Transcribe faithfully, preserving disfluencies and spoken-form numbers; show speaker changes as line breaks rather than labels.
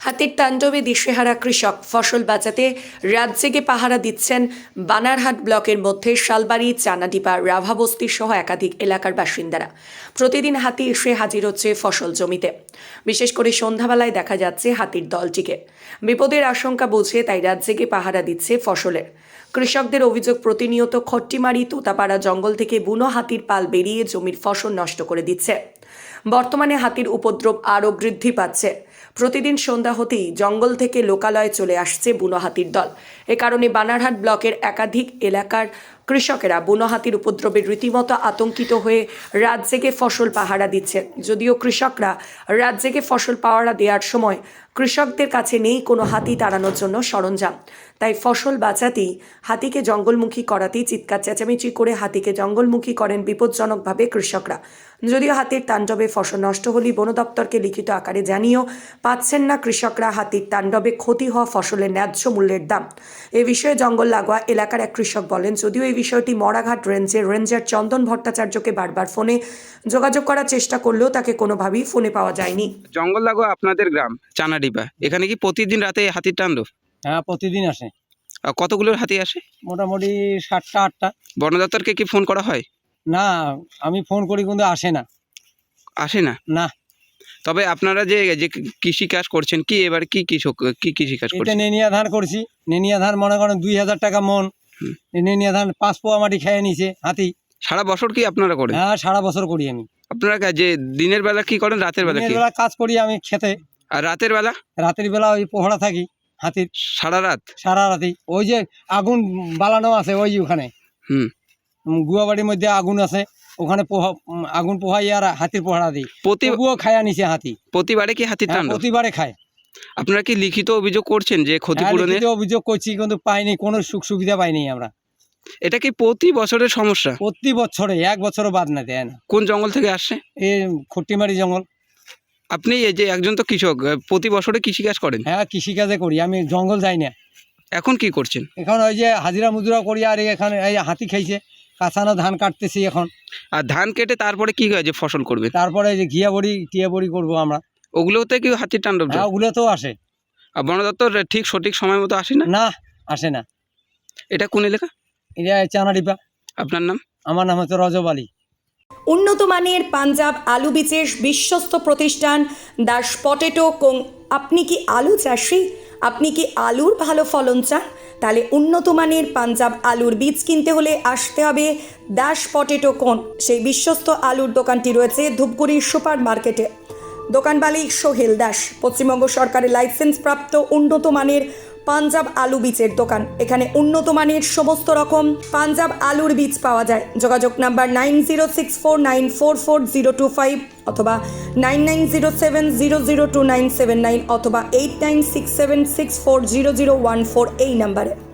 হাতির তাণ্ডবে দিশেহারা কৃষক। ফসল বাঁচাতে রাত জেগে পাহারা দিচ্ছেন বানারহাট ব্লকের মধ্যে শালবাড়ি, চানাডিপা, রাভাবস্তি সহ একাধিক এলাকার বাসিন্দারা। প্রতিদিন হাতি এসে হাজির হচ্ছে ফসল জমিতে। বিশেষ করে সন্ধ্যাবেলায় দেখা যাচ্ছে হাতির দলটিকে। বিপদের আশঙ্কা বুঝে তাই রাত জেগে পাহারা দিচ্ছে ফসলের। কৃষকদের অভিযোগ, প্রতিনিয়ত খট্টিমারি, তোতাপাড়া জঙ্গল থেকে বুনো হাতির পাল বেরিয়ে জমির ফসল নষ্ট করে দিচ্ছে। বর্তমানে হাতির উপদ্রব আরও বৃদ্ধি পাচ্ছে। প্রতিদিন সন্ধ্যা হতেই জঙ্গল থেকে লোকালয়ে চলে আসছে বুনো হাতির দল। এ কারণে বানারহাট ব্লকের একাধিক এলাকার কৃষকেরা বুনো হাতির উপদ্রবে রীতিমতো আতঙ্কিত হয়ে রাত জেগে ফসল পাহারা দিচ্ছেন। যদিও কৃষকরা রাত জেগে ফসল পাহারা দেওয়ার সময় কৃষকদের কাছে নেই কোনো হাতি তাড়ানোর জন্য সরঞ্জাম, তাই ফসল বাঁচাতেই হাতিকে জঙ্গলমুখী করাতেই চিৎকার চেঁচামেচি করে হাতিকে জঙ্গলমুখী করেন বিপজ্জনকভাবে কৃষকরা। যদিও হাতির তাণ্ডবে ফসল নষ্ট হলেই বন দপ্তরকে লিখিত আকারে জানিয়েও পাচ্ছেন না কৃষকরা হাতির তাণ্ডবে ক্ষতি হওয়া ফসলের ন্যায্য মূল্যের দাম। এ বিষয়ে জঙ্গল লাগোয়া এলাকার এক কৃষক বলেন, যদিও এই বিষয়টি মরাঘাট রেঞ্জের রেঞ্জার চন্দন ভট্টাচার্যকে বারবার ফোনে যোগাযোগ করার চেষ্টা করলেও তাকে কোনোভাবেই ফোনে পাওয়া যায়নি।
জঙ্গল লাগোয়া আপনাদের গ্রাম চানাডিপা, এখানে কি প্রতিদিন রাতে হাতির তাণ্ডব?
হ্যাঁ, প্রতিদিন আসে।
আর কতগুলো হাতি আসে?
মোটামুটি সাতটা আটটা।
বন দপ্তরকে কি ফোন করা হয়?
না, আমি ফোন করি কিন্তু আসে না।
আসে না?
না।
তবে আপনারা যে যে কৃষি কাজ করছেন, কি এবার কি কৃষক কি কৃষি কাজ
এটা
করছেন?
নেনিয়া ধান করছি। নেনিয়া ধান মনে করেন দুই হাজার টাকা মন। এই নেনিয়া ধান পাঁচ পোয়া মাটি খেয়ে নিছে হাতি।
সারা বছর কি আপনারা করেন?
হ্যাঁ, সারা বছর করি আমি।
আপনারা যে দিনের বেলা কি করেন, রাতের বেলা
দিনের
কি?
বেলা কাজ করি আমি খেতে।
আর রাতের বেলা?
রাতের বেলা ওই পোহরা থাকি হাতির
সারা রাত?
সারা রাতি। ওই যে আগুন বালানো আছে ওই যে ওখানে,
হুম,
গুয়াবাড়ির মধ্যে আগুন আছে, ওখানে পোহা আগুন পোহাই আর হাতির পোহরা দিই। তবুও খায়া নিছে হাতি।
প্রতিবারে কি হাতির
হ্যাঁ,
তাণ্ডব?
প্রতিবারে খায়।
আপনারা কি লিখিত অভিযোগ করছেন যে ক্ষতিপূরণের?
হ্যাঁ, অভিযোগ করছি কিন্তু পাইনি, কোনো সুখ সুবিধা পাইনি আমরা।
এটা কি প্রতি বছরের সমস্যা?
প্রতি বছরে, এক বছরও বাদ না দেয় না।
কোন জঙ্গল থেকে আসছে?
এই খট্টিমারি জঙ্গল।
আপনি এই যে একজন তো কৃষক, প্রতি বছরে কৃষিকাজ করেন?
হ্যাঁ, কৃষিকাজে করি, আমি জঙ্গল যাই না।
এখন কি করছেন?
এখন ওই যে হাজিরা মুজুরা করি, আর এখানে এই হাতি খাইছে, কাঁচানো ধান কাটতেছি এখন।
আর ধান কেটে তারপরে কি হয় যে ফসল করবেন?
তারপরে এই যে ঘিয়া বড়ি টিয়া বড়ি করবো আমরা।
ওগুলোতে কি হাতির তাণ্ডব?
হ্যাঁ, ওগুলো তো আসে।
আর বন দপ্তর ঠিক সঠিক সময় মতো আসে না?
না, আসে না।
এটা কোন এলাকা?
এটা চানাডিপা।
আপনার নাম?
আমার নাম হচ্ছে রজব আলী।
উন্নত মানের পাঞ্জাব আলু বীজের বিশ্বস্ত প্রতিষ্ঠান দাস পটেটো কোং। আপনি কি আলু চাষি? আপনি কি আলুর ভালো ফলন চান? তাহলে উন্নত মানের পাঞ্জাব আলুর বীজ কিনতে হলে আসতে হবে দাস পটেটো কোন। সেই বিশ্বস্ত আলুর দোকানটি রয়েছে ধূপগুড়ি সুপার মার্কেটে। দোকান মালিক সোহেল দাস। পশ্চিমবঙ্গ সরকারের লাইসেন্স প্রাপ্ত উন্নত মানের পাঞ্জাব আলু বীজের দোকান। এখানে উন্নত মানের সমস্ত রকম পাঞ্জাব আলুর বীজ পাওয়া যায়। যোগাযোগ number nine zero six four nine four four zero two five অথবা nine nine zero seven zero zero two nine seven nine অথবা eight nine six seven six four zero zero one four এই নাম্বারে।